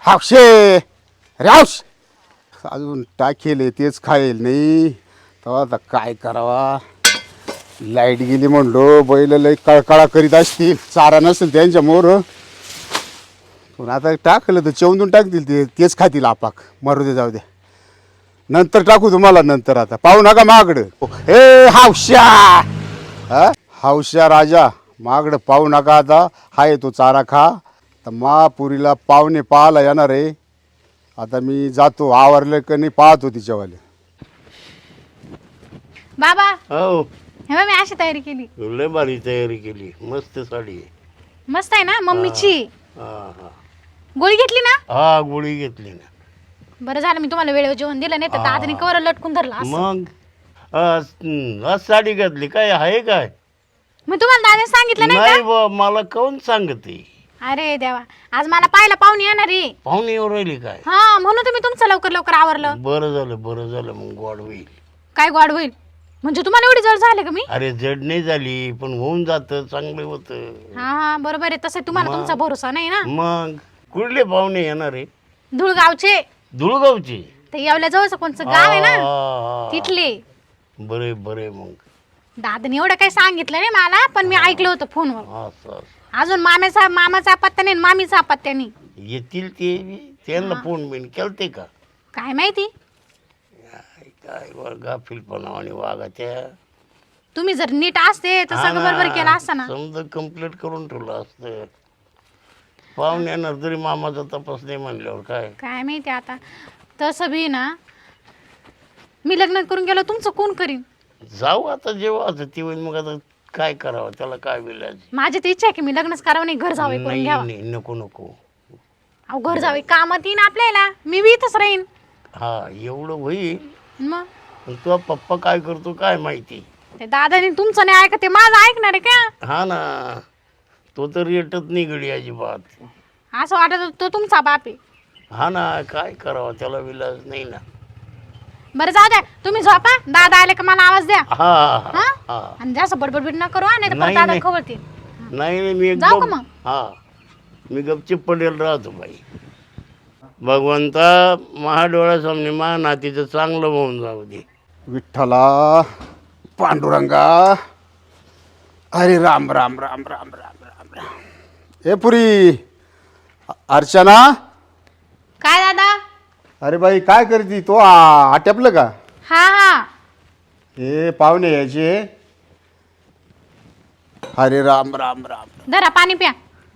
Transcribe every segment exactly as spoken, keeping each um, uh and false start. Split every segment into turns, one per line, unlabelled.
हावशे अरे हावश अजून टाकेल तेच खाईल नाही तेव्हा आता काय करावा. लाईट गेली म्हणलो बैल लई कळकळा करीत असतील चारा नसेल त्यांच्या मोर पण आता टाकलं तर चेवून टाकतील ते तेच खातील आपाक मरू दे जाऊ दे नंतर टाकू तुम्हाला नंतर आता पाहू नका मागडं हे हावश्या हा हावश्या राजा मागडं पाहू नका आता हाय तो चारा खा तर महापुरीला पाहुणे पाहायला येणार आहे. आता मी जातो आवरलं का नाही पाहतो तिच्यावाले.
बाबा
हो
हे बघ, मी अशी तयारी केली.
लय भारी तयारी केली मस्त साडी आहे.
मस्त आहे ना मम्मीची.
हा हा
गोळी घेतली ना.
हा गोळी घेतली ना.
बरं झालं मी तुम्हाला वेळेवर जेवण दिलं नाही तर दादाने कवर लटकून धरला असं.
मग आज हं, आज साडी घातली काय आहे काय
मग तुम्हाला दादाने सांगितलं नाही
नाही
का?
बा मला कोण सांगते.
अरे देवा आज मला पाहायला पाहुणे येणार आहे.
पाहुणे येऊ राहिली काय.
हा म्हणून तुम्ही तुमचं लवकर लवकर आवरलं.
बरं झालं बरं झालं मग गोड होईल.
काय गोड होईल म्हणजे तुम्हाला एवढी जड झाले का मी.
अरे जड नाही झाली पण होऊन जात चांगलं होतं.
हा हा बरोबर आहे तसं तुम्हाला तुमचा भरोसा नाही ना.
मग कुठले पाहुणे येणार आहे.
धुळगावचे
धुळगावचे
ते येवल्या जवळचं कोणचं गाव आहे ना
ना
तिथले.
बरे बरे मग
दादाने एवढं काही सांगितलं नाही मला पण मी ऐकलं होतं फोनवर.
असं असं
अजून मामेचा मामाचा पत्ता नाही मामीचा पत्ता नाही.
येतील ते बी. त्यांना फोन बिन केलते का
काय माहिती.
काय वर गाफीलपणा आणि वागा त्या
तुम्ही जर नीट असते तर सगळं बरोबर केलं असतं ना.
समजा कंप्लीट करून ठेवलं असतं. पाहुणे येणार तरी मामाचा तपास नाही म्हणल्यावर काय
काय माहिती आता तसं बी ना मी लग्न करून गेलो तुमचं कोण करीन.
जाऊ आता जेव्हा आता ती होईल मग आता काय करावं त्याला काय विलाज.
माझी तर इच्छा आहे की मी लग्नच करावं नाही घर जावे करून
नाही
घ्यावं.
नाही नको नको.
अहो घर जावे कामात येईन आपल्याला मी बी इथंच राहीन.
हा एवढं होईल
मग
पण तुझा पप्पा काय करतो काय माहिती.
ते दादाने तुमचं नाही ऐकत ते माझं ऐकणार आहे का.
हा ना तो तर येतच नाही गडी अजिबात.
असं वाटत होतं तो तुमचा बाप आहे.
हा ना काय करावं त्याला विलाज नाही ना.
बरं जाऊ द्या तुम्ही झोपा दादा आले का मला आवाज द्या.
हा
हा
हा
आणि जास्त बडबड न करू नाही तर
नाही,
दादा
नाही.
खवळतील.
नाही नाही मी
जाऊ का
एकदम
मग?
हा मी गपचिप पडेल राहतो बाई. भगवंता महाडोळ्यासमोर मा नातीचं चांगलं होऊन जाऊ दे.
विठ्ठला पांडुरंगा अरे राम राम राम राम राम राम राम. ए पुरी अर्चना
काय दादा.
अरे बाई काय करती तो आ- आटपलं का.
हा हा
हे पाहुणे यायचे. अरे राम राम राम.
धरा पाणी प्या.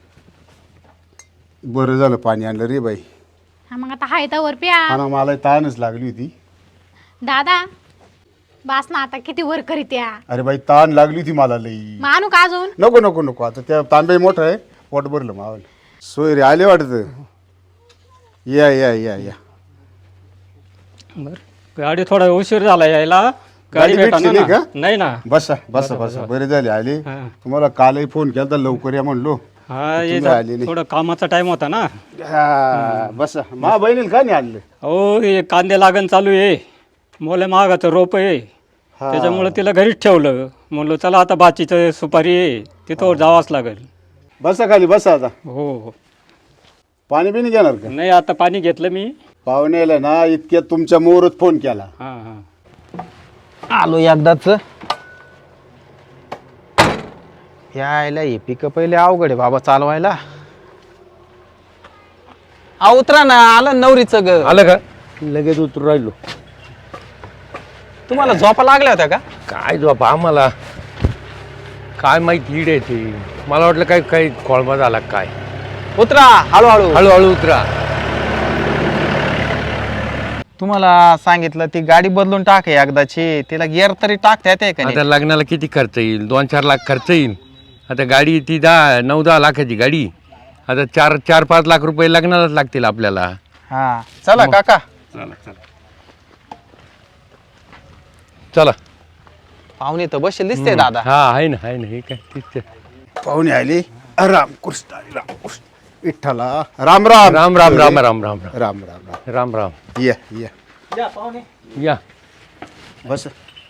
बरं झालं पाणी आणलं रे बाई.
हा मग आता हाय तर प्या.
हा ना मला ताणच लागली होती.
दादा बास ना आता किती वर करीत या.
अरे बाई ताण लागली होती मला लई.
मग आणू का अजून.
नको नको नको आता त्या तांबे मोठं आहे पोट भरलं मावलं. सोय रे आले वाटतं. या या या या
बर गाडी थोडा उशीर झाला यायला.
गाडी
गाडी भेटली
भेटली नाही
ना.
का?
नाही ना.
बसा बसा बसा बरे झाले आले.
हा.
तुम्हाला कालही फोन केला तर लवकर या म्हणलो.
हा ये
तुम्ही
जा-
आले नाही.
थोडं कामाचा टाइम होता ना.
हा, बसा मा बहिणीला का नाही आणलं.
हो हे कांदे लागण चालू आहे. मोले महागाचं रोप आहे
हा.
त्याच्यामुळे तिला घरीच ठेवलं. म्हणलो चला आता बाचीचं सुपारी आहे तिथं जावाच लागेल.
बसा खाली बसा आता.
हो हो
पाणी बिणी घेणार का.
नाही आता पाणी घेतलं मी.
पाहुण्याला ना इतक्यात तुमच्या मोरत फोन केला.
हां हां
आलो एकदाच. यायला हे पिकं पहिले अवघड आहे बाबा चालवायला. आ उतरा ना आलं नवरीचं ग.
आलं का लगेच उतरू राहिलो.
तुम्हाला झोपा लागल्या होत्या का.
काय झोप आम्हाला काय माहिती ईड आहे ती. मला वाटलं काय काही खोळमा झाला काय.
उतरा हळूहळू.
हळूहळू उतरा.
तुम्हाला सांगितलं ती गाडी बदलून टाक हे एकदाची. तिला गिअर तरी टाकता येते का नाही?
आता लग्नाला किती खर्च येईल. दोन चार लाख खर्च येईल. आता गाडी ती दहा नऊ दहा लाखाची गाडी. आता चार चार पाच लाख रुपये लग्नालाच लागतील आपल्याला.
हा चला काका.
चला
पाहुणे तर बसेल दिसते दादा.
हा आहे ना आहे ना हे काय तीच.
पाहुणे आले. राम कृष्ण हरी राम कृष्ण विठ्ठला राम राम
राम राम राम राम राम राम
राम राम राम.
राम राम.
या या
या
बस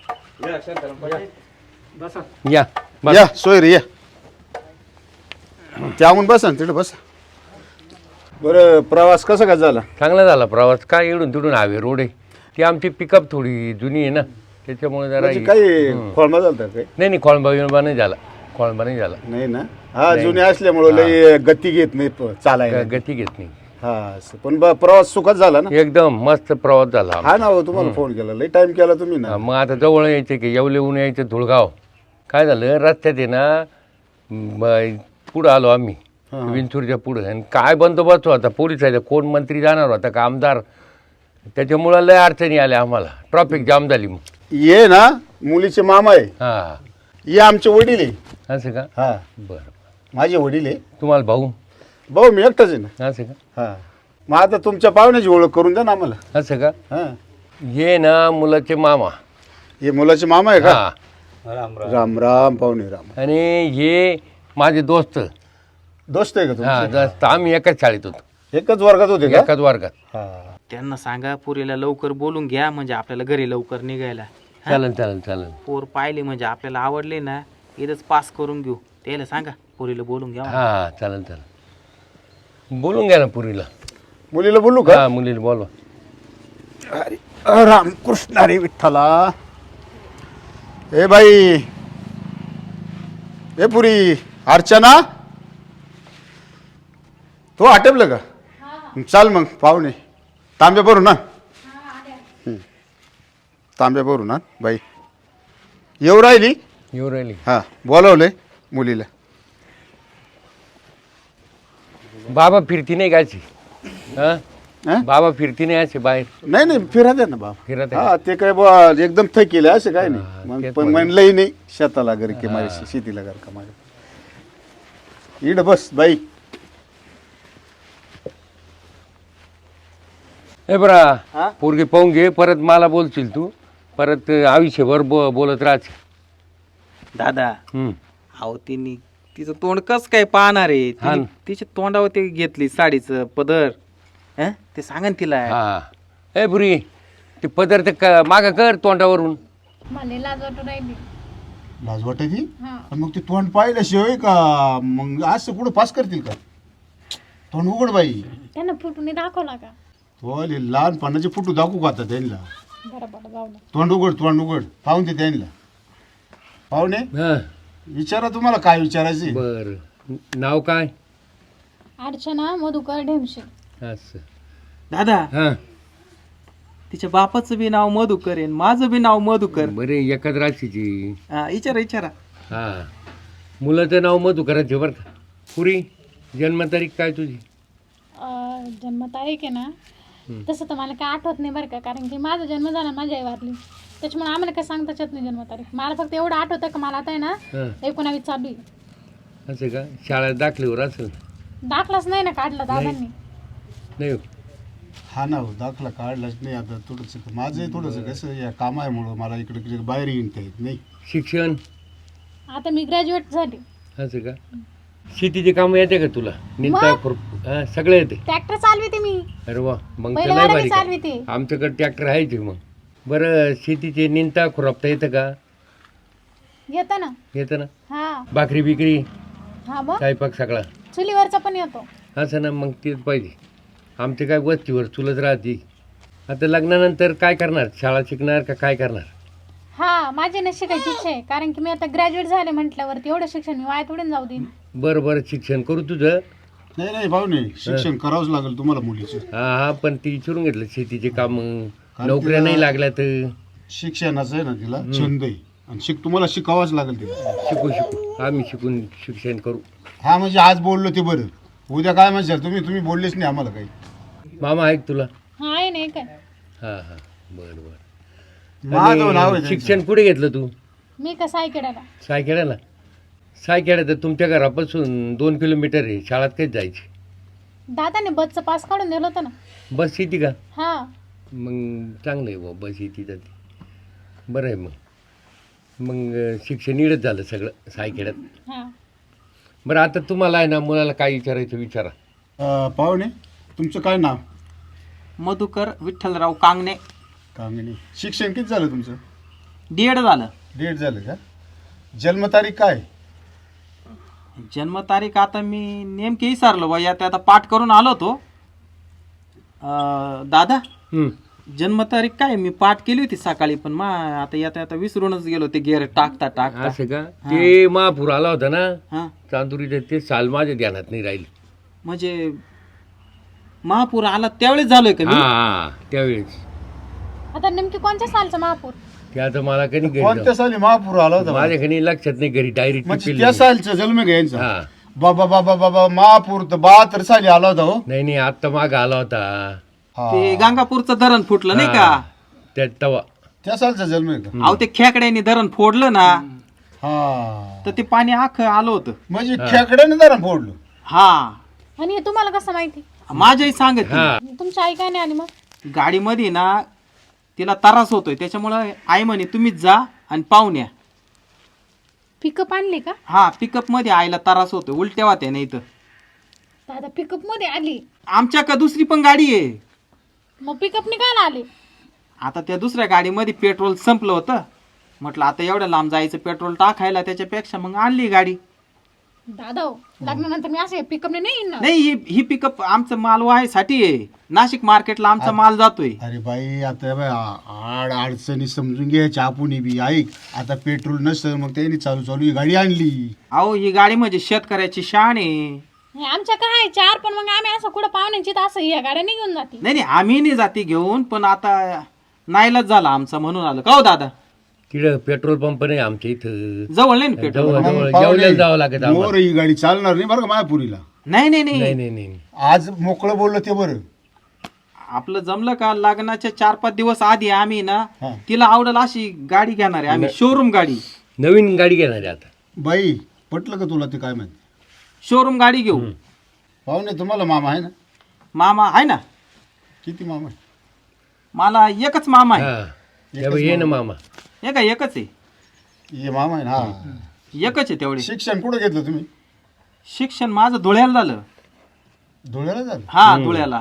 या बस.
या सोय रे या त्याहून बसा ना तिकडे बसा. बरं प्रवास कसा काय झाला?
चांगला झाला प्रवास. काय इडून तिडून हवे रोड आहे. ती आमची पिकअप थोडी जुनी आहे ना, त्याच्यामुळे जरा
म्हणजे काही खोळमा झालता काही?
नाही नाही खोळंबा बिळंबा नाही झाला. खोळंबा नाही झाला.
नाही ना. हा जुने असल्यामुळे लई गती घेत नाही प- चालायला.
ग- गती घेत नाही.
हा असं. पण ब- प्रवास सुखात झाला ना?
एकदम मस्त प्रवास झाला.
हा ना हो, तुम्हाला फोन केला, लई टाइम केला तुम्ही ना.
हा, मग आता जवळ यायचं की येवले ऊन यायचं धुळगाव. काय झालं रस्त्यात आहे ना, ब- पुढं आलो आम्ही विंचूरच्या पुढं, आणि काय बंदोबस्त होता पोलिसाचा, कोण मंत्री जाणार होता का आमदार, त्याच्यामुळं लय अडचणी आल्या आम्हाला. ट्रॉफिक जाम झाली. मग
ये ना मुलीचे मामा आहे,
हां
ये आमचे वडील आहे.
असं का?
हा
बरं.
माझे वडील आहे.
तुम्हाला भाऊ?
भाऊ मी एकटाच आहे ना.
असं का?
हा मग आता तुमच्या पाहुण्याची ओळख करून द्या ना आम्हाला.
असं का?
हा
ये ना मुलाचे मामा.
हे मुलाचे मामा आहे का?
हा.
राम राम पाहुणे राम.
आणि हे माझे दोस्त.
दोस्त आहे का
हा
तुमचे?
दोस्त. आम्ही एकाच शाळेत होतो,
एकच वर्गात होते का?
एकाच वर्गात.
हा
त्यांना सांगा पुरीला लवकर बोलून घ्या, म्हणजे आपल्याला घरी लवकर निघायला.
चालेल चालेल चालेल.
पोर पाहिले म्हणजे आपल्याला आवडले ना, इथंच पास करून घेऊ. त्याला सांगा पुरीला बोलून घ्या.
हा चालेल चालेल. बोलून घ्या ना पुरीला.
मुलीला बोलू का?
हा मुलीला बोलवा.
अरे राम कृष्ण हरी विठ्ठला. ए बाई, ए पुरी, अर्चना, तो आटपलं का? चाल मग पाहुणे, तांब्या भरू ना. हं. तांब्या भरू ना बाई. येऊ राहिली?
येऊ राहिली.
हा बोलवलंय मुलीला.
बाबा फिरती नाही गायची. हा
हा?
बाबा फिरती नाही असे बाहेर
नाही नाही फिरा द्या ना बाबा.
फिरत आहे.
हा ते काय बुवा एकदम थकेले असं काय
हा,
नाही. मग
तेच
पण
म्हणलं.
म्हणलंही नाही शेताला घर की माझ्या शेतीला घर का माझ्या. इड बस बाई.
हे बरा पोरगी पाहून घे, परत मला बोलशील तू, परत आयुष्यभर बो बोलत राहशील.
दादा
हम्म.
अहो तिने तिचं तोंड कस काय पाहणार आहे?
हा
तिने
ना.
तिच्या तोंडावर ते घेतली साडीचं पदर. हं? ते सांगा ना तिला.
हा ए पुरी, ते पदार्थ क मागं कर तोंडावरून.
मला लाज वाटू राहिली.
लाज वाटायची?
हा.
पण मग ते तोंड पाहिल्याशिवाय का मग असं कुठं पास करतील का? तोंड उघड बाई.
त्यांना फुटून दाखवला का?
तो लहानपणाचे फोटो दाखवू का आता त्यांना?
बरं बरं जाऊ दे.
तोंड उघड, तोंड उघड, पाहून ते त्यांना. पाहुणे
हा
विचारा, तुम्हाला काय विचारायचे?
बर. नाव काय?
अर्चना मधुकर ढेमशे.
असं.
दादा
हा
तिच्या बापाचं बी नाव मधुकर आहे, माझं बी नाव मधुकर.
बरे एकाच राशीची.
हा, विचारा विचारा.
हा मुलाचं नाव मधुकराचे बरं का. पुरी जन्मतारीख काय तुझी?
अं, जन्मतारीख आहे ना, तसं तर मला काय आठवत नाही बरं का, कारण की माझा जन्म झाला माझी आई वारली, त्याच्यामुळे आम्हाला काय सांगताच येत नाही जन्मतारीख. मला फक्त एवढं आठवतं का मला आता आहे ना
हा
एकोणावीस चालू आहे.
असं का? शाळेत दाखल्यावर असेल.
दाखलाच नाही ना काढला दादांनी.
नाही हो.
हा ना हो, दाखला काढलाच नाही. आता थोडंसं माझं थोडंसं कसं या कामामुळं मला इकडे तिकडे बाहेर येता येत नाही.
शिक्षण
आता मी ग्रॅज्युएट झाली.
असं का? शेतीचे काम येते का तुला? निंदा खुरप हा सगळं येते.
ट्रॅक्टर चालविते मी.
अरे वा, मग
पहिलं
तर लय
गाडी
भारी काम.
चालविते.
आमच्याकडे ट्रॅक्टर आहे ते. मग बरं शेतीचे निंदा खुरपता येतं का?
येतं ना.
येतं ना.
हा
भाकरी बिकरी
हा मग
स्वयंपाक सगळा
चुलीवरचा पण येतो.
असं ना. मग तेच पाहिजे. आमचे काय वस्तीवर चुलत राहते. आता लग्नानंतर काय करणार? शाळा शिकणार का काय करणार?
हा माझी ना शिकायची इच्छा आहे, कारण की मी आता ग्रॅज्युएट झाले म्हटल्यावरती एवढं शिक्षण मी वाया थोडून जाऊ देईन.
बरं बरं शिक्षण करू तुझं.
नाही नाही भाऊने, शिक्षण करावंच लागेल तुम्हाला मुलीचं.
हा हा पण ती विचारून घेतलं शेतीचे काम. नोकऱ्या नाही लागल्या तर
शिक्षणाचं आहे ना तिला छंद आहे, आणि शिक तुम्हाला शिकावंच लागेल तिला.
शिकू शिकू आम्ही शिकून शिक्षण करू.
हा म्हणजे आज बोललो ते बरं, उद्या काय म्हणशाल तुम्ही? तुम्ही बोललेच नाही आम्हाला काही.
मामा ऐक तुला.
हा आहे नाही काय.
हा हा बरं बरं.
माझं नाव आहे
आणि शिक्षण कुठे घेतलं तू?
मी कसं ऐकडाला.
सायखेड्याला. सायखेड्या तर तुमच्या घरापासून दोन किलोमीटर आहे. शाळेत काहीच जायची.
दादाने बसचं पास काढून दिलं होतं ना.
बस येते का?
हा
मग चांगलं आहे बुवा, बस येते जाते. बरं आहे. मग मग शिक्षण इडच झालं सगळं सायखेड्यात.
हा
बरं आता तुम्हाला आहे ना मुलाला काय विचारायचं विचारा.
अं, पाहुणे तुमचं काय नाव?
मधुकर विठ्ठलराव कांगणे.
कांगणे. शिक्षण किती झालं तुमचं?
डीएड झालं.
डेट झालं का? जन्मतारीख काय?
जन्मतारीख आता मी नेमकी विसरलो बा. यात आता पाठ करून आलो होतो, अं, दादा
हम्म.
जन्मतारीख काय मी पाठ केली होती सकाळी पण मा आता येता येता विसरूनच गेलो ते गेअर टाकता टाकता
असं का ते महापूर आला होता ना
हा
चांदुरीचं ते साल माझ्या ध्यानात नाही राहील.
म्हणजे महापूर आला त्यावेळेस झालोय का
हा
मी
हा त्यावेळेस
आता नेमकी कोणत्या सालचा महापूर?
ते आता मला कधी घरी
कोणत्या
जाऊ-
साली महापूर आला होता
माझ्या कधी लक्षात नाही घरी डायरेक्ट
म्हणजे त्या सालचा जन्म घ्यायचा
हा
बाबा बाबा बाबा महापूर तर बहात्तर साली आला होता हो
नाही नाही आत्ता माग आला होता
हा.
ते गंगापूरचं धरण फुटलं नाही का
त्या तवा
त्या सालचा जन्म आहे का
अहो ते खेकड्याने धरण फोडलं ना
हा
तर ते पाणी आखं आलं होतं
म्हणजे खेकड्याने जरा फोडलं.
हा
आणि हे तुम्हाला कसं माहिती?
माझ्याही सांगत
हा
तुमची आई काय नाही आली मग?
गाडीमध्ये ना तिला त्रास होतोय त्याच्यामुळं आई म्हणे तुम्हीच जा आणि पाहून या.
पिकअप आणली का?
हा पिकअप मध्ये आईला त्रास होतोय उलट्या वाट्या नाही तर
दादा पिकअप मध्ये आली,
आमच्या का दुसरी पण गाडी आहे.
मग पिकअपने काय आली?
आता त्या दुसऱ्या गाडीमध्ये पेट्रोल संपलं होतं म्हटलं आता एवढं लांब जायचं पेट्रोल टाकायला त्याच्यापेक्षा मग आणली गाडी.
दादा हो, लग्नानंतर मी असे पिकअपने नाही येणार.
नाही ही ही पिकअप आमचं माल व्हायसाठी आहे. नाशिक मार्केटला आमचा माल जातोय.
अरे बाई आता बाई, आ- आड अडचणी समजून घ्यायच्या आपण बी ऐक आता पेट्रोल नसतं मग त्यांनी चालू चालू ही गाडी आणली.
अहो ही गाडी म्हणजे शेतकऱ्याची शान आहे.
हे आमच्या काय चार, पण मग आम्ही असं कुठं पाहुण्यांची तर असं या गाड्या निघून जाते.
नाही नाही आम्ही नाही जाती घेऊन पण आता नाईलाज झाला आमचा म्हणून आलं का हो दादा.
तिकडं पेट्रोल पंप नाही आमच्या इथं
जवळ नाही ना पेट्रोल.
जवळ
मग
जवळ
पाहुणे,
जेवल्याला जावं लागत आम्हाला.
मोर ही गाडी चालणार नाही बरं का मायापुरीला.
नाही नाही नाही
नाही नाही नाही
आज मोकळं बोललं ते बरं.
आपलं जमलं का लग्नाच्या चार पाच दिवस आधी आम्ही ना
हा.
तिला आवडेल अशी गाडी घेणार आहे आम्ही शोरूम गाडी.
नवीन गाडी घेणार आहे आता.
बाई पटलं का तुला ते काय माहिती.
शोरूम गाडी घेऊ.
पाहुणे तुम्हाला मामा आहे ना.
मामा आहे ना.
किती मामा आहे?
मला एकच मामा आहे.
हा त्यामुळे ये ना मामा.
हे का एकच आहे.
ये मामा आहे ना हा.
एकच आहे तेवढे.
शिक्षण कुठं घेतलं तुम्ही?
शिक्षण माझं धुळ्याला झालं.
धुळ्याला झालं.
हा धुळ्याला.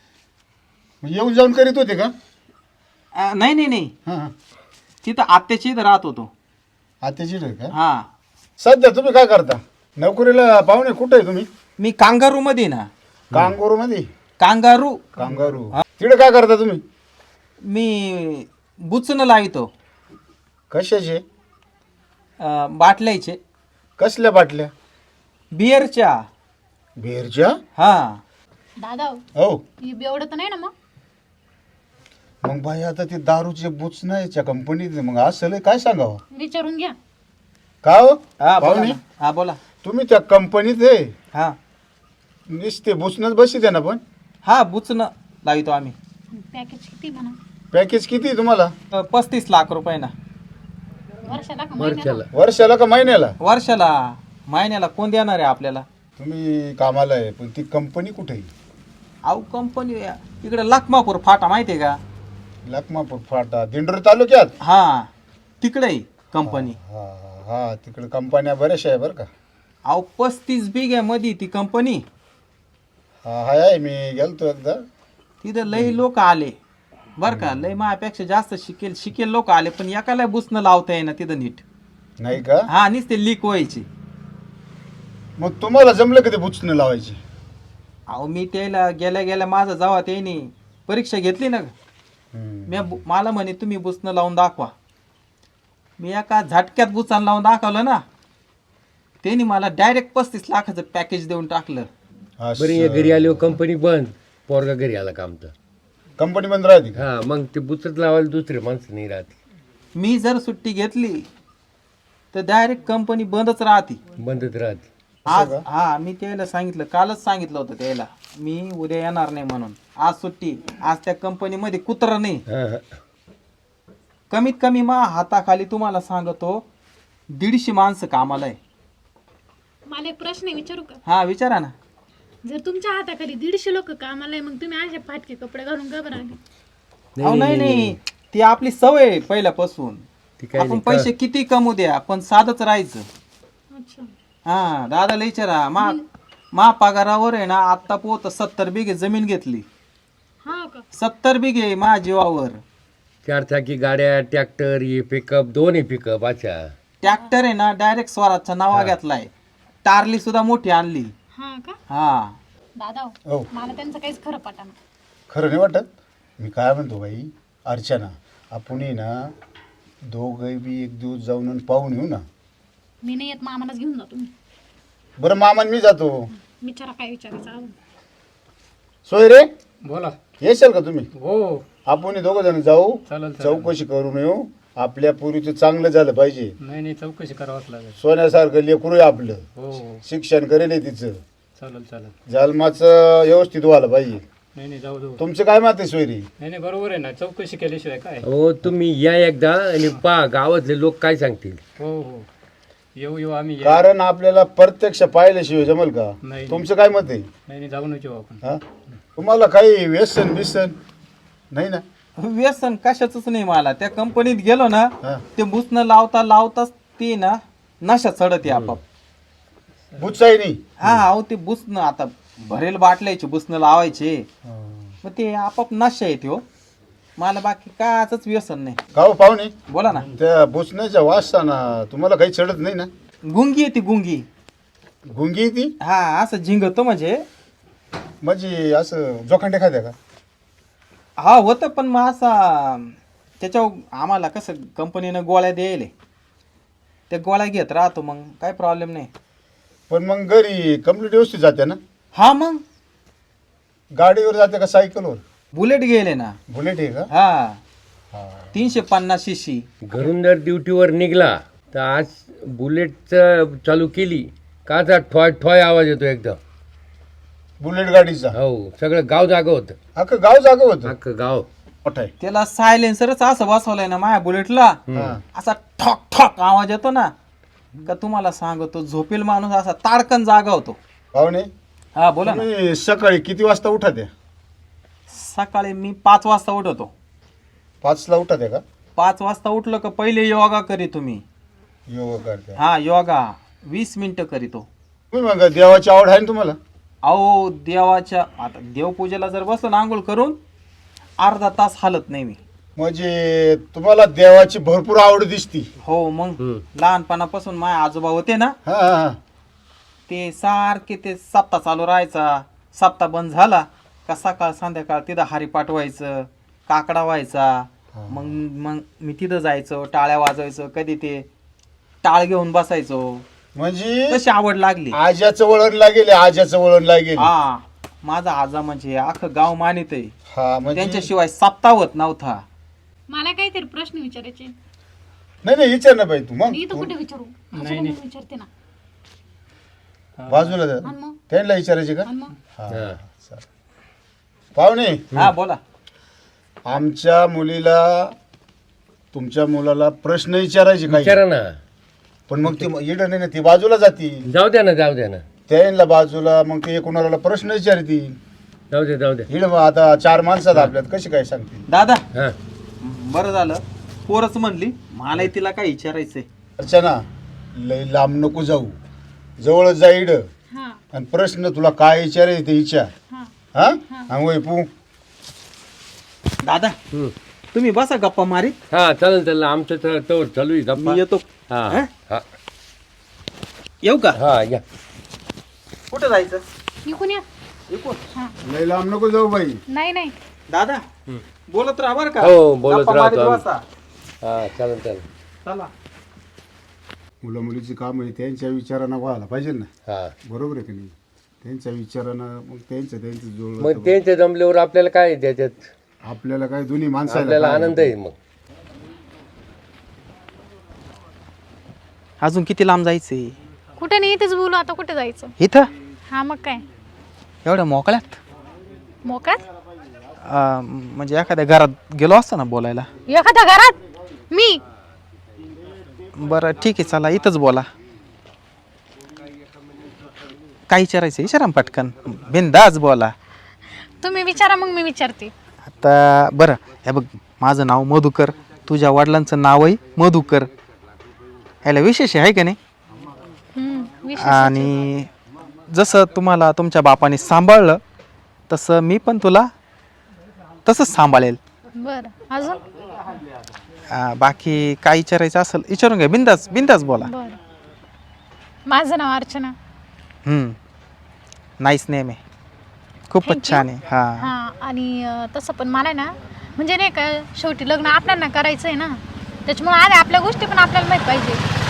मग येऊन जाऊन करीत होते का?
अं, नाही नाही नाही
हा हा.
तिथं आत्याची इथं राहत होतो.
आत्याची रे का?
हा
सध्या तुम्ही काय करता? नोकरीला पाहुणे कुठे आहे तुम्ही?
मी कांगारू मध्ये ना.
कांगारू मध्ये.
कांगारू
कांगारू तिकडे काय करता तुम्ही?
मी बुचणं लावितो.
कशाचे?
अं, बाटल्याचे.
कसल्या बाटल्या?
बिअरच्या.
बेरच्या?
हा
दादा हो,
हो
ही बेवडं तर नाही ना मग?
मग बाई आता ते दारूचे बुच नाही त्या कंपनीत मग असं काय सांगावं
विचारून घ्या.
का हो
हा बोला
पाहुणे
ना. हा बोला.
तुम्ही त्या कंपनीत आहे
हा
नुसते बुचनच बसी द्या ना पण
हा बुचणं लावितो आम्ही.
पॅकेज किती म्हणा?
पॅकेज किती आहे तुम्हाला?
अं, पस्तीस लाख रुपये ना
वर्षाला का महिन्याला?
वर्षाला
वर्षाला का महिन्याला?
वर्षाला. महिन्याला कोण देणार आहे आपल्याला?
तुम्ही कामाला आहे पण ती कंपनी कुठे आहे?
अहो कंपनी इकडे लखमापूर फाटा माहितीये का?
लखमापूर फाटा दिंडोरी तालुक्यात.
हा तिकडे आहे कंपनी.
हा हा तिकडे कंपन्या बऱ्याचशा आहे बरं का.
अहो पस्तीस बिघ्यामध्ये ती कंपनी.
हा हाय आहे मी गेलतो एकदा.
तिथं लई लोक आले बर का. लई माझ्यापेक्षा जास्त शिकेल शिकेल लोक आले पण एकाला बुसणं लावता येईना तिथं नीट.
नाही का?
हा नुसते लीक व्हायचे.
मग तुम्हाला जमलं कधी बुचणं लावायची?
अहो मी त्याला गेल्या गेल्या माझं जेव्हा त्याने परीक्षा घेतली ना
हम्म.
मी बु- मला म्हणे तुम्ही बुसणं लावून दाखवा. मी एका झटक्यात बुचान लावून दाखवलं ना त्यांनी मला डायरेक्ट पस्तीस लाखाचं पॅकेज देऊन टाकलं.
असं.
बरं ये घरी आल्यावर कंपनी बंद पोरगा घरी आला का आमचा.
कंपनी बंद राहते का?
हा मग ते बुचत लावायला दुसरे माणसं नाही राहते.
मी जर सुट्टी घेतली तर डायरेक्ट कंपनी बंदच राहते.
बंदच राहते.
आज हा मी त्याला सांगितलं कालच सांगितलं होतं त्याला मी उद्या येणार नाही म्हणून. आज सुट्टी. आज त्या कंपनीमध्ये कुत्र नाही.
हा हा
कमीत कमी मा हाताखाली तुम्हाला सांगतो दीडशे माणसं कामाला आहे.
मला एक प्रश्न आहे, विचारू का?
हा विचारा ना.
जर तुमच्या हाताखाली दीडशे लोक कामाला आहे, मग तुम्ही असे फाटके कपडे घालून का बरं आले?
अहो नाही नाही ती आपली सवय आहे पहिल्यापासून.
ती काय
आपण
नाही
पैसे किती कमवू द्या पण साधच राहायचं.
अच्छा.
हा दादाला विचारा मा मा पगारावर आहे ना आत्ता पोत सत्तर बिघे जमीन घेतली.
हा का?
सत्तर बिघे मा जीवावर.
चार चाकी गाड्या ट्रॅक्टर हे पिकअप दोन्ही पिकअप अच्छा.
ट्रॅक्टर आहे ना डायरेक्ट स्वराजचा नावा घेतलाय. टारली सुद्धा मोठी आणली.
हा का?
हा
दादा हो,
हो
मला त्यांचं काहीच खरं पटाना.
खरं नाही वाटत. मी काय म्हणतो बाई अर्चना, आपण ये ना दोघं बी एक दिवस जाऊन आणि पाहून येऊ ना.
मी नाही येत, मामालाच घेऊन जा तुम्ही.
बरं मामान मी जातो.
विचारा काय विचारायचं अजून.
सोय रे
बोला.
येशाल का तुम्ही?
हो
आपण दोघं जण जाऊ,
चालेल चालेल.
चौकशी करून येऊ. आपल्या पूर्वीचं चांगलं झालं पाहिजे.
नाही नाही चौकशी करावंच लागेल.
सोन्यासारखं लेकरू आहे आपलं.
हो हो
शिक्षण करेल आहे तिचं.
चालेल चालेल.
जन्माचं व्यवस्थित व्हायला पाहिजे.
नाही नाही जाऊ जाऊ.
तुमचं काय मत आहे सोयरी?
नाही नाही बरोबर आहे ना, चौकशी केल्याशिवाय काय.
हो तुम्ही या एकदा आणि पहा गावातले लोक काय सांगतील.
हो हो येऊ येऊ आम्ही येऊ.
कारण आपल्याला प्रत्यक्ष पाहिल्याशिवाय जमल का?
नाही
तुमचं काय मत आहे?
नाही नाही जाऊन येऊ आपण.
हा तुम्हाला काही व्यसन बिसन नाही ना?
व्यसन कशाच नाही मला. त्या कंपनीत गेलो ना,
हा.
ते बुसणं लावता लावताच ते ना नशा चढते आपाप.
बुचाई नाही.
हा अहो ते बुसणं आता भरेल बाटल्याचे बुसणं लावायचे, मग ते आपाप नशा येते हो. मला बाकी काच व्यसन नाही.
का हो पाहुणे?
बोला ना.
त्या बुचण्याच्या वासाना तुम्हाला काही चढत नाही ना?
गुंगी येते गुंगी.
गुंगी आहे ती
हा असं झिंगतो म्हणजे.
म्हणजे असं जोखंडे खात्या का?
हा होतं, पण मग असा त्याच्यावर आम्हाला कसं कंपनीनं गोळ्या द्यायले, त्या गोळ्या घेत राहतो, मग काय प्रॉब्लेम नाही.
पण मग घरी कम्प्लीट व्यवस्थित जाते ना?
हा मग
गाडीवर जाते का सायकलवर?
बुलेट गेले ना.
बुलेट आहे का?
हा तीनशे पन्नास शीशी.
घरून जर ड्युटीवर निघला तर आज बुलेटचं चालू केली का आता ठॉय ठॉय आवाज येतो एकदम.
बुलेट गाडीचा
हो सगळं गाव जागं होतं.
अख्खं गाव जागा होतं.
अख्खं गाव.
मोठं आहे.
त्याला सायलेन्सरच असं बसवलंय ना माझ्या बुलेटला,
हा.
असा ठॉक ठॉक आवाज येतो ना, का तुम्हाला सांगतो झोपेल माणूस असा ताडकन जागा होतो.
पाहुणे
हा बोला ना.
तुम्ही सकाळी किती वाजता उठत आहे?
सकाळी मी पाच वाजता उठवतो.
पाचला उठत आहे का?
पाच वाजता उठलं का पहिले योगा करी तुम्ही.
योगा करते.
हा योगा वीस मिनिटं करीतो.
तुम्ही मग देवाची आवड आहे ना तुम्हाला?
अहो देवाच्या आता देवपूजेला जर बसलो ना आंघोळ करून अर्धा तास हालत नाही मी.
म्हणजे तुम्हाला देवाची भरपूर आवड दिसती.
हो मग लहानपणापासून माझे आजोबा होते ना,
हा हा हा.
ते सारखे ते सप्ताह चालू राहायचा. सप्ताह बंद झाला का सकाळ संध्याकाळ तिथं हारी पाठवायचं, काकडा व्हायचा. मग मग मी तिथं जायचो, टाळ्या वाजवायचो, कधी ते टाळ घेऊन बसायचो.
म्हणजे
तशी आवड लागली.
आज्याचं वळण लागेल, आज्याचं वळण लागेल.
हा माझा आजा म्हणजे अख्खं गाव मानित आहे.
हा म्हणजे
त्यांच्याशिवाय सप्ताह होत नव्हता.
मला काहीतरी प्रश्न विचारायचे.
नाही नाही विचार ना बाई तू. मग
मी इथं कुठे विचारू? आजोबा मी विचारते ना.
बाजूला जा.
आणि मग
त्यांना विचारायचे का?
आणि मग
हा
हा.
चालेल. पाहुणे
हा बोला.
आमच्या मुलीला तुमच्या मुलाला प्रश्न विचारायचे काही,
विचारा ना.
पण मग ती इड नाही ना, ती बाजूला जाती.
जाऊ द्या ना जाऊ द्या ना
त्यांना बाजूला मग ते कोणाला प्रश्न विचारती.
जाऊ द्या जाऊ द्या.
इड आता चार माणसात आपल्यात कशी काय सांगते?
दादा
हा
बरं झालं पोरच म्हणली, मला तिला काय विचारायचंय.
अर्चना लय लांब नको जाऊ, जवळच जा इड
हा
आणि प्रश्न तुला काय विचारायचे ते विचार.
हा
हा हा वय पू.
दादा
हम्म.
तुम्ही बसा गप्पा मारीत,
हा चालेल चालेल आमचं तर तोवर चालू आहे गप्पा.
मी येतो.
हा
हा?
हा
येऊ का?
हा या.
कुठं जायचं?
इकून या.
इकडून.
हा
लय लांब नको जाऊ बाई.
नाही नाही
दादा बोलत राहा बरं का.
हो, बोलत
गप्पा
राहतो
मारीत
आम्ही.
बसा.
हा चालेल चालेल.
चला.
मुलं मुलीची काम आहे त्यांच्या विचारानं व्हायला पाहिजे ना.
हा
बरोबर आहे की नाही? त्यांच्या विचारानं मग त्यांचं त्यांचं
मग
जुळलं
त्यांच्या जमल्यावर आपल्याला काय आहे त्याच्यात
आपल्याला काय दोन्ही माणसाला
आपल्याला
काय
आनंद आहे. मग
अजून किती लांब जायचंय?
कुठे नाही, इथेच बोलू. आता कुठे जायचं?
इथं
हा मग काय
एवढ्या मोकळ्यात?
मोकळ्यात?
अं, म्हणजे एखाद्या घरात गेलो असतो ना बोलायला.
एखाद्या घरात मी?
बरं ठीक आहे चला इथंच बोला. काय विचारायचं विचारा ना पटकन, बिनधास्त बोला.
तुम्ही विचारा मग मी विचारते.
आता बरं हे बघ, माझं नाव मधुकर, तुझ्या वडिलांचं नावही मधुकर. ह्याला विशेष आहे का नाही?
हम्म, विशेष.
आणि जसं तुम्हाला तुमच्या बापाने सांभाळलं तसं मी पण तुला तसंच सांभाळेल.
बरं अजून?
अं, बाकी काय विचारायचं असेल विचारून घ्या, बिंदास बिंदास बोला.
बरं माझं नाव अर्चना.
हम्म नाईस नेम आहे. खूपच
Thank you.
छान आहे हा
हां आणि अं, तसं पण मला ना म्हणजे नाही का शेवटी लग्न आपल्याला करायचं आहे ना, त्याच्यामुळे आधी आपल्या गोष्टी पण आपल्याला माहीत पाहिजे.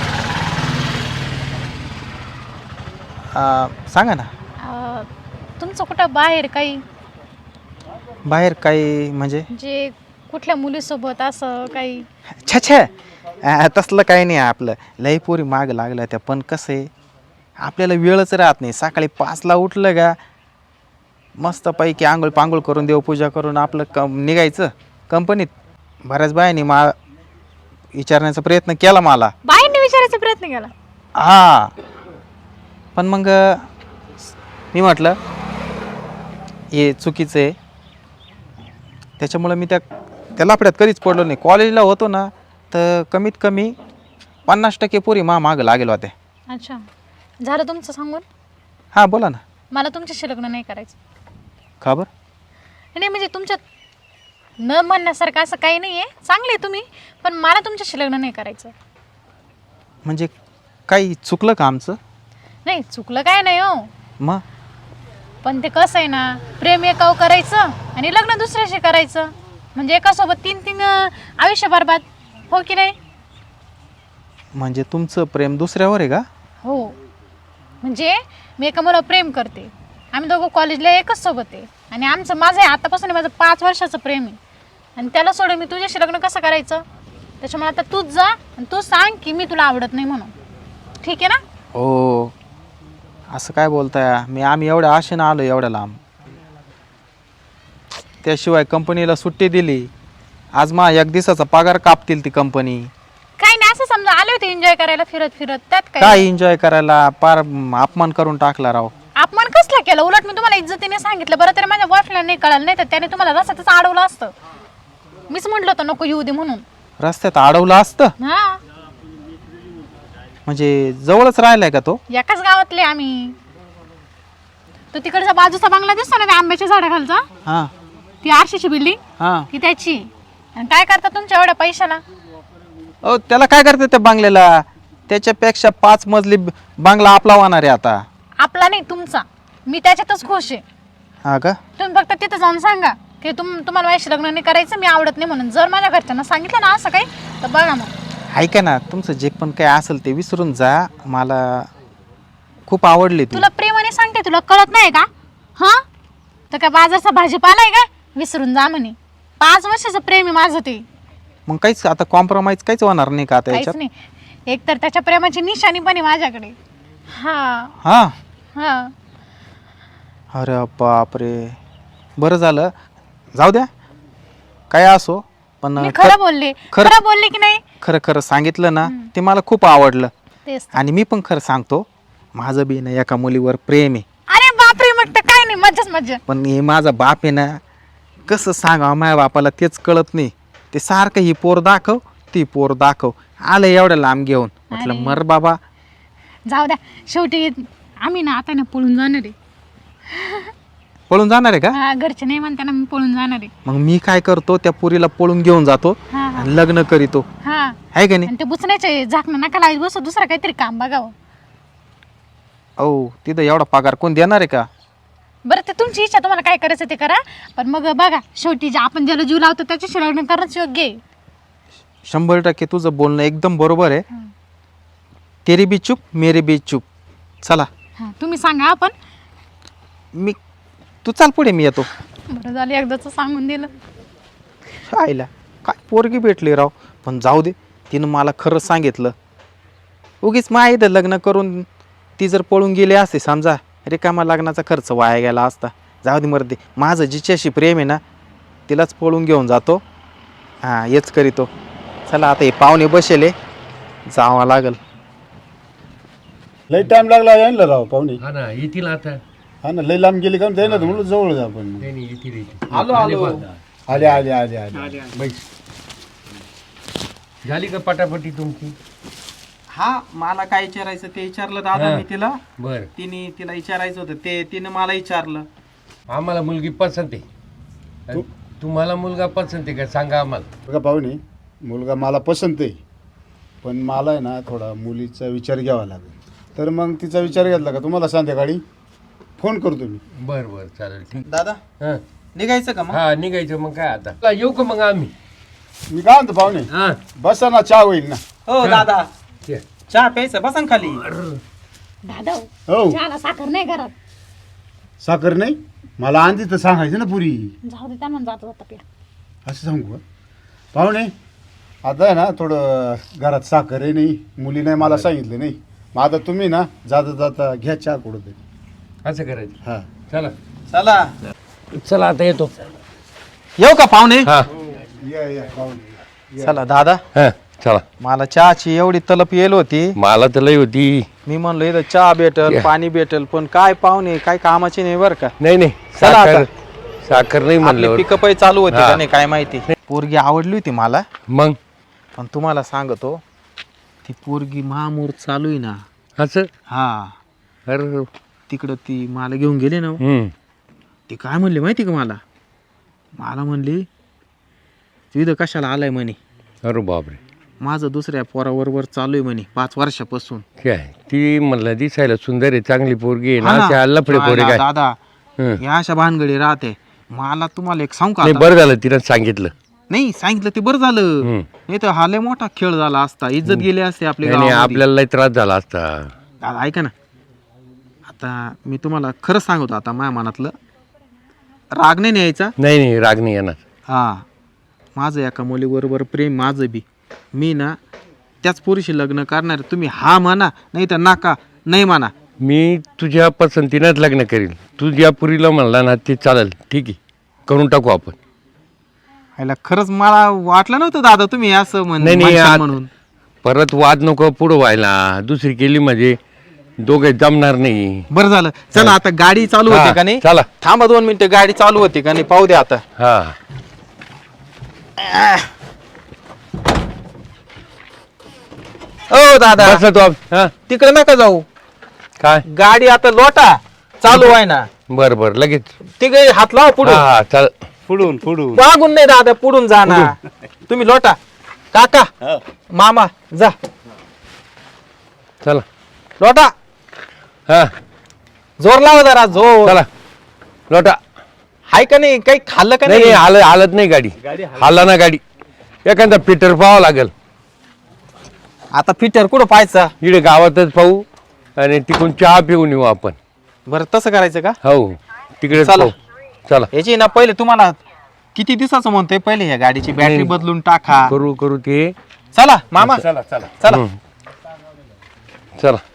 अं, सांगा ना
अं, तुमचं कुठं बाहेर काही
बाहेर काही म्हणजे
म्हणजे कुठल्या मुलीसोबत असं काही?
छे छे अं, तसलं काही नाही आपलं लई पोरी माग लागल्या त्या पण कसं आहे आपल्याला वेळच राहत नाही सकाळी पाचला उठलं का मस्तपैकी आंघोळ पांघोळ करून देवपूजा करून आपलं कम निघायचं कंपनीत. बऱ्याच बायांनी मा विचारण्याचा प्रयत्न केला मला
बाहेरने विचारायचा प्रयत्न केला?
हा पण मग मी म्हटलं हे चुकीचं आहे त्याच्यामुळं मी त्या त्या लफड्यात कधीच पडलो नाही. कॉलेजला होतो ना तर कमीत कमी पन्नास टक्के पोरी मा मागं लागेल होत्या.
अच्छा, झालं तुमचं सांगून?
हां बोला ना.
मला तुमच्याशी लग्न नाही करायचं.
खबर
नाही म्हणजे तुमच्यात न म्हणण्यासारखं असं काही नाही आहे, चांगले आहे तुम्ही, पण मला तुमच्याशी लग्न नाही करायचं.
म्हणजे काही चुकलं का आमचं?
नाही चुकलं काय नाही हो,
मग
पण ते कसं आहे ना प्रेम एकाव करायचं आणि लग्न दुसऱ्याशी करायचं म्हणजे एकासोबत तीन तीन अं, आयुष्य बरबाद, हो की नाही?
म्हणजे तुमचं प्रेम दुसऱ्यावर आहे का?
हो, म्हणजे मी एका मुलावर प्रेम करते, आम्ही दोघं कॉलेजला एकच सोबत आहे आणि आमचं माझं आहे आतापासून माझं पाच वर्षाचं प्रेम आहे आणि त्याला सोडून मी तुझ्याशी लग्न कसं करायचं? त्याच्यामुळे आता तूच जा आणि तू सांग की मी तुला आवडत नाही म्हणून, ठीक आहे ना?
हो असं काय बोलताय? मी आम्ही एवढ्या आशेनं आलो एवढ्या लांब, त्याशिवाय कंपनीला सुट्टी दिली, आज मा एक दिवसाचा पगार कापतील ती कंपनी.
काही नाही, असं समजा आले होते एन्जॉय करायला फिरत फिरत, त्यात काय?
काय एन्जॉय करायला? पार अपमान करून टाकला राव.
अपमान कसला केला? उलट मी तुम्हाला इज्जतीने सांगितलं, बरं तरी माझ्या बॉयफ्रेंडला नाही कळालं, नाही तर त्याने तुम्हाला रस्त्यातच अडवलं असतं. मीच म्हटलं होतं नको येऊ दे म्हणून.
रस्त्यात अडवलं असतं?
हा,
म्हणजे जवळच राहिलाय का तो?
एकाच गावातले आम्ही. तो तिकडचा बाजूचा बंगला दिसतो ना त्या आंब्याच्या झाडाखालचा,
हां
ती आरशीची बिल्डिंग,
हां.
ती त्याची. आणि काय करता तुमच्या एवढ्या पैशाला?
ओ त्याला काय करते त्या बंगल्याला? त्याच्यापेक्षा पाच मजली ब- बंगला आपला होणार आहे आता.
आपला नाही तुमचा, मी त्याच्यातच खुश आहे.
हा का?
तुम्ही फक्त तिथं जाऊन सांगा की तुम तुम्हाला माझ्याशी लग्न नाही करायचं, मी आवडत नाही म्हणून. जर माझ्या घरच्यांना सांगितलं ना असं काही, तर बघा मग.
ऐका ना, तुमचं जे पण काही असेल ते विसरून जा. मला खूप आवडली तू.
तुला प्रेमाने सांगते, तुला कळत नाही का? हा, तर काय बाजारचा भाजीपाला आहे का? विसरून जा म्हणे. पाच वर्षाचं प्रेम आहे माझं ते.
मग काहीच आता कॉम्प्रोमाइज काहीच होणार नाही का आता
काहीच
याच्यात?
नाही, एक तर त्याच्या प्रेमाची निशाणी पण आहे माझ्याकडे. हा
हा.
हा,
अरे बापरे, बरं झालं, जाऊ द्या काय असो, पण
मी
ख-
खरं बोलले,
खरं-
खरं बोलले की नाही?
खरं खरं सांगितलं ना ते मला खूप आवडलं.
तेच.
आणि मी पण खरं सांगतो, माझं बी ना एका मुलीवर प्रेम आहे.
अरे बापरे, मग तर काय नाही, मज्जाच मज्जा.
पण हे माझा बाप आहे ना, कसं सांगावं माझ्या बापाला तेच कळत नाही. ते सारखं ही पोर दाखव ती पोर दाखव, आलं एवढं लांब घेऊन. म्हटलं
अरे.
मर बाबा.
जाऊ द्या, शेवटी आम्ही ना आता ना पळून जाणार आहे.
पळून जाणार आहे का?
हा, घरचे नाही म्हणते ना, मी पळून जाणार आहे.
मग मी काय करतो, त्या पोरीला पळून घेऊन जातो
हा हा
आणि लग्न करीतो,
हा,
आहे का नाही?
आणि ते बुचण्याचे झाकणं नका लावत बसू, दुसरं काहीतरी काम बघावं.
ओ तिथं एवढा पगार कोण देणार आहे का?
बरं, ते तुमची इच्छा, तुम्हाला काय करायचं ते करा, पण मग बघा शेवटी जे आपण ज्याला जीव लावतो त्याच्याशी लग्न करणंच योग्य आहे.
शंभर टक्के तुझं बोलणं एकदम बरोबर आहे. तेरी बी चूप मेरी बी चूप. चला
हा, तुम्ही सांगा आपण.
मी तू चाल पुढे, मी येतो.
बरं झालं एकदाच सांगून दिलं.
आईला काय पोरगी भेटली राव. पण जाऊ दे, तिनं मला खरं सांगितलं. उगीच मा इथं लग्न करून ती जर पळून गेली असते समजा, रिकामा लग्नाचा खर्च वाया गेला असता. जाऊ दे मर्दे, माझं जिच्याशी प्रेम आहे ना तिलाच पळून घेऊन जातो. हां हेच करीतो. चला आता हे पाहुणे बसेले, जावं लागल.
लई टाइम लागला यायला राव पाहुणे.
हा ना, येतील आता.
हा ना, लई लांब गेली का ते ना, म्हणून जवळ जा आपण.
नाही नाही, येतील येतील.
आलो आलो.
आले आले आले आले
बैस. झाली का पटापटी तुमची?
हा, मला काय विचारायचं ते विचारलं दादा
हा.
मी तिला.
बर,
तिने तिला विचारायचं होतं ते तिने मला विचारलं.
आम्हाला मुलगी पसंत आहे.
तू-
तुम्हाला मुलगा पसंत आहे का सांगा आम्हाला.
बघा पाहुणे, मुलगा मला पसंत आहे, पण मला आहे ना थोडा मुलीचा विचार घ्यावा लागेल. तर मग तिचा विचार घेतला का तुम्हाला संध्याकाळी फोन करतो मी.
बर बर चालेल ठीक.
दादा
हा
निघायचं का मग?
हा निघायचं मग काय आता चला, येऊ का मग आम्ही?
मी काय म्हणतो पाहुणे,
हा
बसा ना, चहा होईल ना.
हो दादा
ये.
चहा प्यायचं बसा ना खाली.
दादा
हो
चहाला साखर नाही घरात.
साखर नाही, मला आंधी तर सांगायचं ना पुरी.
जाऊ दे त्यांना जाता जाता प्या.
असं सांगू का पाहुणे? आता आहे ना थोडं घरात साखर आहे नाही, मुली नाही मला सांगितलं नाही. मग आता तुम्ही ना जाता जाता घ्या चहा कुठं तरी.
असं करायचं.
हा
चला
चला
चला आता येतो.
येऊ का पाहुणे?
हा
या या पाहुणे.
चला दादा
हा चला.
मला चहाची एवढी तलप येल होती,
मला तर लई होती.
मी म्हणलो इथं चहा भेटल पाणी भेटल, पण काय पाहुणे काय कामाचे नाही बरं का.
नाही नाही
चला
साखर
आता.
साखर नाही म्हणलं.
पिकअप चालू होते
हा.
का नाही काय माहिती. पोरगी आवडली होती मला,
मग
पण तुम्हाला सांगतो ती पोरगी महामूर चालू आहे ना.
असं
हा
अरे
तिकडं ती मला घेऊन गेली ना.
हम्म
ती काय म्हणली माहिती का मला मला म्हणली तू इथं कशाला आलाय म्हणे.
अरे बापरे.
माझं दुसऱ्या पोराबरोबर चालू आहे म्हणे पाच वर्षापासून.
काय ती म्हणलं दिसायला सुंदर आहे, चांगली पोरगी आहे
हा
ना,
ना.
अशा लफडे पोरे
दादा
काय.
दादा,
हं.
या अशा भानगडी राहते. मला तुम्हाला एक सांगू का
नाही
आता?
बरं झालं तिनं सांगितलं.
नाही सांगितलं ते बरं झालं.
हं.
नाही तर हा लय मोठा खेळ झाला असता, इज्जत गेली असते आपली
नाही नाही,
गावामध्ये.
आपल्याला लई त्रास झाला असता.
दादा ऐका ना, आता मी तुम्हाला खरं सांगतो, आता माझ्या मनातलं राग नाही न्यायचा.
नाही नाही राग नाही येणार.
हा माझं एका मुलीबरोबर प्रेम माझं बी. मी ना त्याच पोरीशी लग्न करणार. तुम्ही हा म्हणा नाही तर नाका नाही म्हणा.
मी तुझ्या पसंतीनंच लग्न करील. तू ज्या पुरीला म्हणला ना ते चालेल, ठीक आहे, करून टाकू आपण.
ह्याला खरंच मला वाटलं नव्हतं दादा तुम्ही असं म्हण-
नाही नाही
म्हणशाल
आत-
म्हणून.
परत वाद नको पुढं व्हायला. दुसरी केली म्हणजे दोघे जमणार नाही.
बरं झालं. चला आता गाडी चालू
हा,
होते का नाही?
चला.
थांबा दोन मिनिटं, गाडी चालू होते का नाही पाहू द्या आता.
हा
ओ दादा
बसला तू आप- हा
तिकडे नका जाऊ,
काय
गाडी आता लोटा चालू आहे ना.
बर बर लगेच.
तिकडे हात लावा
हा
पुढे.
हा चाल.
पुढून पुढून
मागून नाही दादा, पुढून जा ना. तुम्ही लोटा. काका मामा जा
चला.
लोटा.
हा
जोर लावा जरा जोर.
चला लोटा.
हाय का नाही, काही खाल्लं का
नाही नाही
नाही?
हालत हालत नाही गाडी. हाला ना गाडी. एखादा पीटर पाहावं लागेल.
आता फिटर कुठं पाहायचा?
इकडे गावातच पाहू आणि तिकडून चहा पिऊन येऊ आपण.
बरं तसं करायचं का?
हो तिकडे
चला.
पाहू. चला
याची ना पहिले तुम्हाला किती दिवसाचं म्हणतोय, पहिले या गाडीची बॅटरी
नाही.
बदलून टाका.
करू करू ते.
चला मामा
चला चला
चला.
हं. चला